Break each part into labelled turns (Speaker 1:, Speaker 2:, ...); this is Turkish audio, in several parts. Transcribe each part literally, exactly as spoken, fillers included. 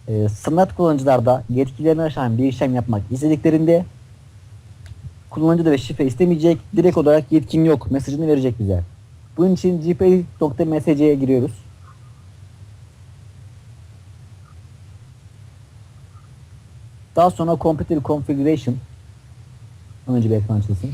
Speaker 1: e, standart kullanıcılarda yetkilerine aşan bir işlem yapmak istediklerinde kullanıcı da ve şifre istemeyecek, direkt olarak yetkin yok mesajını verecek bize. Bunun için gpedit.msc'ye giriyoruz. Daha sonra Computer Configuration, önce bir ekran açılsın.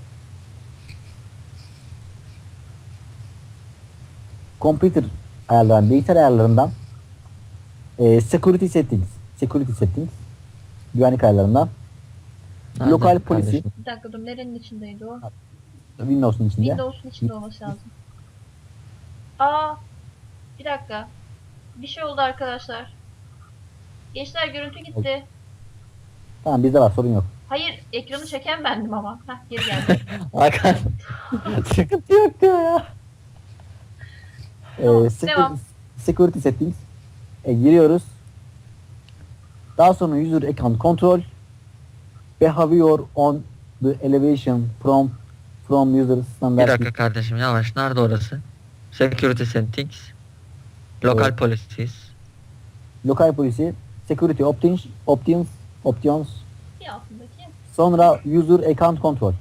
Speaker 1: Computer ayarlarından, bilgisayar ayarlarından e, Security Settings, Security Settings, güvenlik ayarlarından
Speaker 2: Nerede
Speaker 1: Lokal Policy,
Speaker 2: kardeşim?
Speaker 3: Bir dakika dur, nerenin içindeydi o?
Speaker 1: Windows'un içinde.
Speaker 3: Windows'un içinde olması lazım. Aa, bir dakika. Bir şey oldu arkadaşlar. Gençler, görüntü gitti.
Speaker 1: Tamam, bizde var, sorun yok.
Speaker 3: Hayır, ekranı çeken bendim ama. Heh, geri geldi.
Speaker 1: Hakan sıkıntı yok diyor ya.
Speaker 3: Tamam,
Speaker 1: Ee, security,
Speaker 3: devam.
Speaker 1: security Settings e, giriyoruz. Daha sonra User Account Control, Behavior on the Elevation from from User
Speaker 2: Bir
Speaker 1: Standard.
Speaker 2: dakika kardeşim, yavaş. Nerede orası? Security settings. Local
Speaker 1: Evet.
Speaker 2: policies.
Speaker 1: Local Policy, Security Options, Options, Options,
Speaker 3: Bir altındaki.
Speaker 1: sonra User Account Control.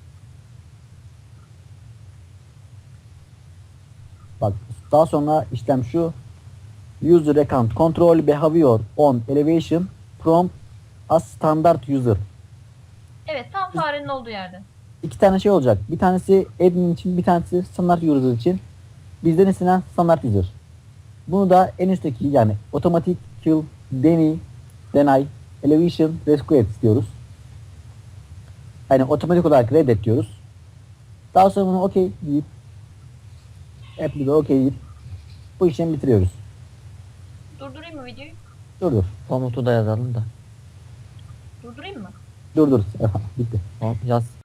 Speaker 1: Bak, daha sonra işlem şu. User Account Control Behavior on Elevation from a Standard User.
Speaker 3: Evet, tam farenin olduğu yerde.
Speaker 1: İki tane şey olacak. Bir tanesi admin için, bir tanesi standart user için. Bizden istenen standart user. Bunu da en üstteki, yani otomatik kill, deny, deny, elevation, rescue et istiyoruz. Yani otomatik olarak reddet diyoruz. Daha sonra bunu okey deyip app'li okey deyip bu işlemi bitiriyoruz.
Speaker 3: Durdurayım mı videoyu?
Speaker 1: Dur dur.
Speaker 2: Komutu da yazalım da.
Speaker 3: Durdurayım mı?
Speaker 1: Dur dur. Bitti.
Speaker 2: Hop, yaz.